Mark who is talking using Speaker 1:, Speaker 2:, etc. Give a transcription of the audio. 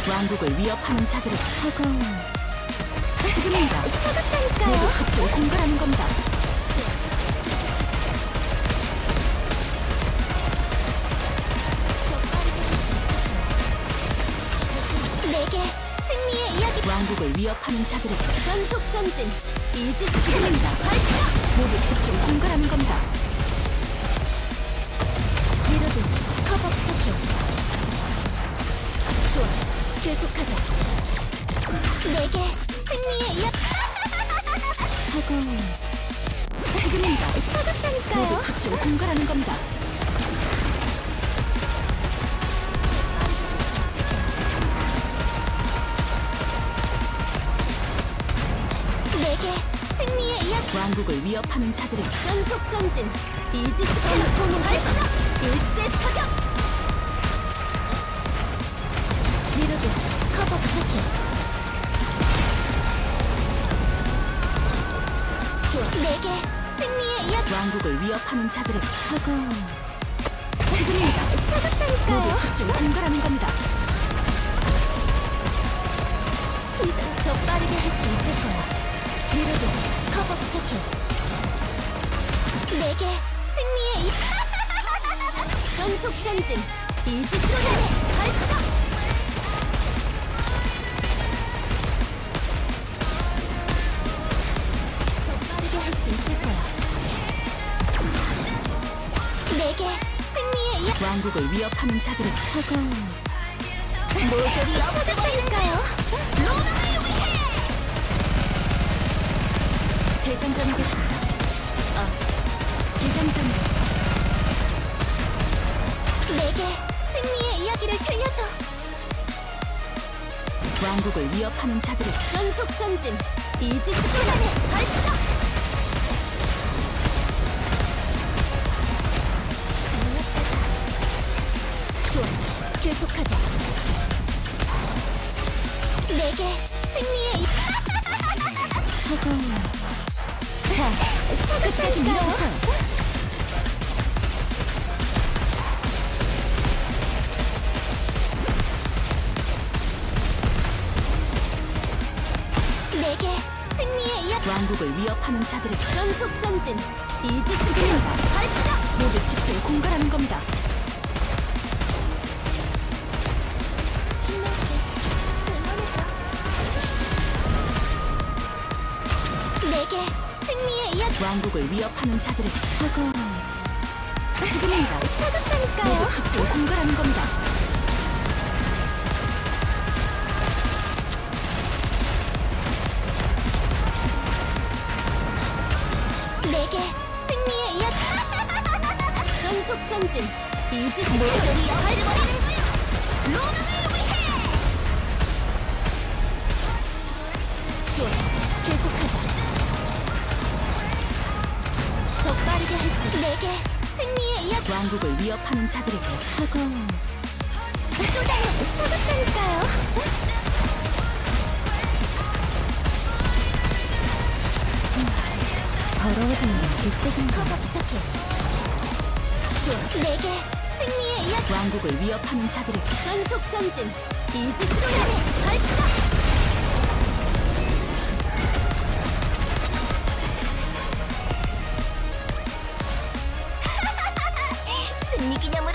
Speaker 1: 왕국을 위협하는 자들을 하고 지금입니다. 모두 집중 공갈하는 겁니다.
Speaker 2: 내게 승리의 이야기.
Speaker 1: 왕국을 위협하는 자들을
Speaker 2: 전속 전진. 이지
Speaker 1: 지금입니다.
Speaker 2: 발사.
Speaker 1: 모두 집중 공갈하는 겁니다.
Speaker 2: 리로드 커버 부탁해. 좋아, 계속하자. 내게 승리의 이야기.
Speaker 1: 하고 지금입니다. 모두
Speaker 2: 차갑다니까요.
Speaker 1: 집중 공갈하는 겁니다.
Speaker 2: 내게 승리의 이야기.
Speaker 1: 왕국을 위협하는 자들을
Speaker 2: 전속 전진. 이지 전통 발사. 일제 사격. 리로드 커버 부탁해. 좋아, 내게 승리의 이야기.
Speaker 1: 왕국을 위협하는 자들을 하고 지금입니다. 모두
Speaker 2: 차갑다니까요.
Speaker 1: 집중 공갈하는 겁니다.
Speaker 2: 이제 더 빠르게 할 수 있을 거야. 리로드 커버 부탁해. 내게 승리의 이 전속 전진. 이지 쏘네 발사. 더 빠르게 할 수 있을 거야. 내게 승리의 이
Speaker 1: 왕국을 위협하는 자들을 하고
Speaker 2: 모조리 엎어졌다니까요. 로망을 위해.
Speaker 1: 대장전이겠습니다. 재장전이요.
Speaker 2: 내게 승리의 이야기를 들려줘.
Speaker 1: 왕국을 위협하는 자들을
Speaker 2: 전속 전진. 이지 쏘네 발사. 좋아, 계속하자. 내게 승리의 이
Speaker 1: 하고 자 끝까지 밀어붙어요.
Speaker 2: 내게 승리의 이야기.
Speaker 1: 왕국을 위협하는 자들을
Speaker 2: 전속 전진. 이지 지금입니다. 발사.
Speaker 1: 모두 집중 공갈하는 겁니다.
Speaker 2: 힘낼게. 응원해줘. 내게 승리의 이야기.
Speaker 1: 왕국을 위협하는 자들을 하고 지금입니다.
Speaker 2: 차갑다니까요.
Speaker 1: 모두 집중 공갈하는 겁니다.
Speaker 2: 내게 승리의 이야기. 전속 전진. 이지 모조리 엎어버리는 거야. 로망을 위해. 좋아, 계속하자. 더 빠르게 할 수. 내게 승리의 이야기.
Speaker 1: 왕국을 위협하는 자들에게 하고
Speaker 2: 쏟아내 차갑다니까요.
Speaker 1: 더러워지는 빗대긴
Speaker 2: 커버 부탁해. 좋아, 내게 승리의 이야기.
Speaker 1: 왕국을 위협하는 자들에게
Speaker 2: 전속 전진. 이지 쏘네 발사. 승리 기념으로